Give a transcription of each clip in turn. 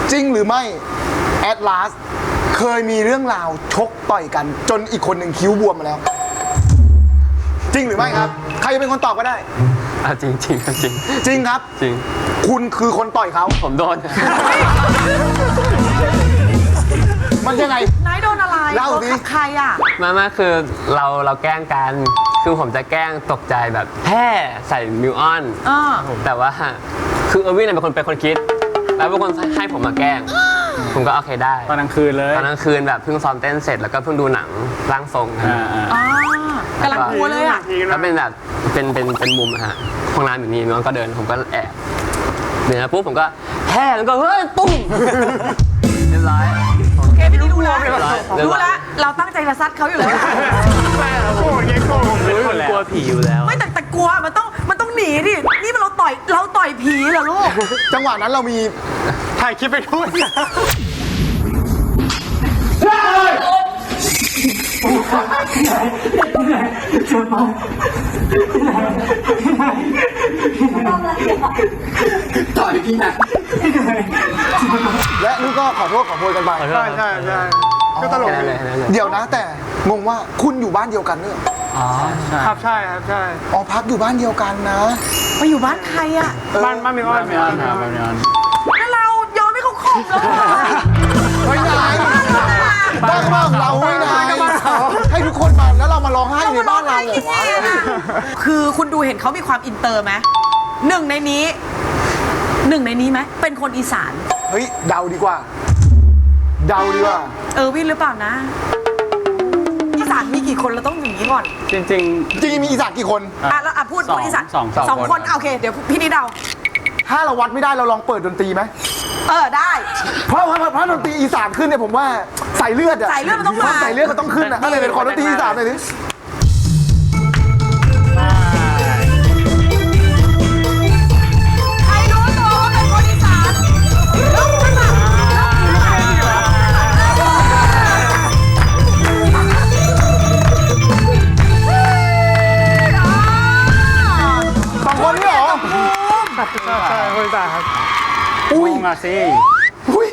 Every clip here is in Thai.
จริงหรือไม่แอดลาสเคยมีเรื่องราวชกต่อยกัน จนอีกคนหนึ่งคิ้วบวมมาแล้ว จริงหรือไม่ครับ ใครจะเป็นคนตอบก็ได้จริงจริงจริงจริงครับจริงคุณคือคนต่อยเขาผมโดนมันยังไงนายโดนอะไรเล่าสิโดนกับใครอ่ะมาคือเราแกล้งกัน คือผมจะแกล้งตกใจแบบแห่ใส่มิวออน แต่ว่าคือเออร์วินเป็นคนคิด แล้วเป็นคนให้ผมมาแกล้ง ผมก็โอเคได้ตอนกลางคืนเลยตอนกลางคืนแบบเพิ่งซ้อมเต้นเสร็จแล้วก็เพิ่งดูหนังร่างทรงกันกำลังกลัวเลยอ่ะแล้วเป็นแบบเป็นมุมอะฮะห้องน้ำอยู่นี่น้องก็เดินผมก็แอบเดินมาปุ๊บผมก็แห่แล้วก็เฮ้ยตุ้มเรียบร้อยโอเคพี่รู้แล้วเรียบร้อยรู้แล้วเราตั้งใจจะซัดเขาอยู่แล้วโกรธไงโกรธกลัวผีอยู่แล้วไม่แต่กลัวมันต้องหนีดิ นี่มันเราต่อยผีเหรอลูกจังหวะนั้นเรามีถ่ายคลิปไปด้วยและนี่ก็ขอโทษขอโพยกันไปใช่ก็ตลกแค่นั้นเลยแค่นั้นเลยเดี๋ยวนะแต่งงว่าคุณอยู่บ้านเดียวกันเนี่ยครับใช่ครับใช่อ๋อพักอยู่บ้านเดียวกันนะไปอยู่บ้านใครอ่ะบ้านมีอ้อนแล้วเรายอมให้เขาข่มแล้วเหรอไม่ได้บ้านของเราไม่ได้ให้ทุกคนมาแล้วเรามาร้องไห้ในบ้านเราเหรอวะคือคุณดูเห็นเขามีความอินเตอร์ไหมหนึ่งในนี้ไหมเป็นคนอีสานเฮ้ยเดาดีกว่า เดาดีกว่าวินหรือเปล่านะ อีสานมีกี่คนเราต้องอย่างนี้ก่อนจริงจริงๆมีอีสานกี่คนแล้วพูดอีสานสองคน โอเค เดี๋ยวพี่นิดเดาถ้าเราวัดไม่ได้เราลองเปิดดนตรีไหมได้เพราะดนตรีอีสานขึ้นเนี่ยผมว่าใส่เลือดอะสายเลือดมันต้องมาใส่เลือดมันต้องขึ้นอะก็เลยเป็นขอดนตรีอีสานหน่อยดิใครรู้ตัวว่าเป็นคนอีสานยกขึ้นมาสองคนนี่เหรอใช่คนตาครับอุ้ยมาสิอุ้ย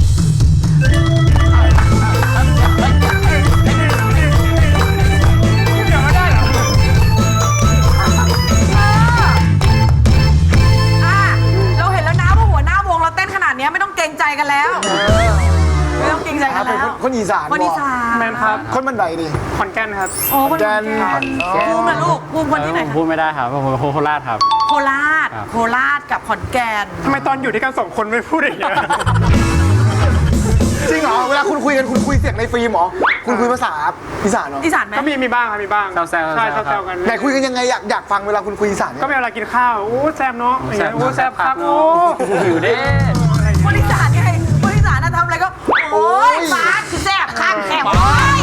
เราเห็นแล้วนะว่าหัวหน้าวงเราเต้นขนาดนี้ไม่ต้องเกรงใจกันแล้ว ไม่ต้องเกรงใจกันเป็นแล้วคนอีสานคนอีสานแมนครับคนบันไดดิขอนแก่นครับโอ้คนแกแก่นภูมินะลูกภูมิคนที่ไหนผมพูดไม่ได้ครับผมโคราชครับโคราชครับโคราชกับขอนแก่นทำไมตอนอยู่ด้วยกันสองคนไม่พูดอย่างเงี้ยจริงเหรอเวลาคุณคุยกันคุณคุยเสียงในฟิล์มเหรอคุณคุยภาษาอีสานเหรออีสานไหมก็มีบ้างครับมีบ้างแซวๆใช่ครับแซวๆกันไหนคุยกันยังไงอยากฟังเวลาคุณคุยอีสานเนี่ยก็เวลากินข้าวโอ้แซ่บเนาะอย่างเงี้ยโอ้แซ่บครับโอ้หิวเด้คนอีสานไงคนอีสานน่ะทำอะไรก็ โอ๊ยฟ้าคือแซ่บข้างแซ่บโอ๊ย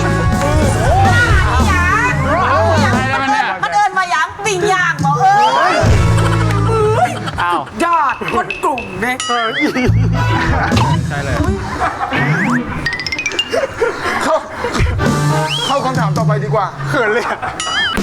มันเดินมาหยังปิ่งย่างบอกอ้าวยอดคนกลุ่มเนี่ยใช่เลยเข้าคำถามต่อไปดีกว่าเขินเลยอะ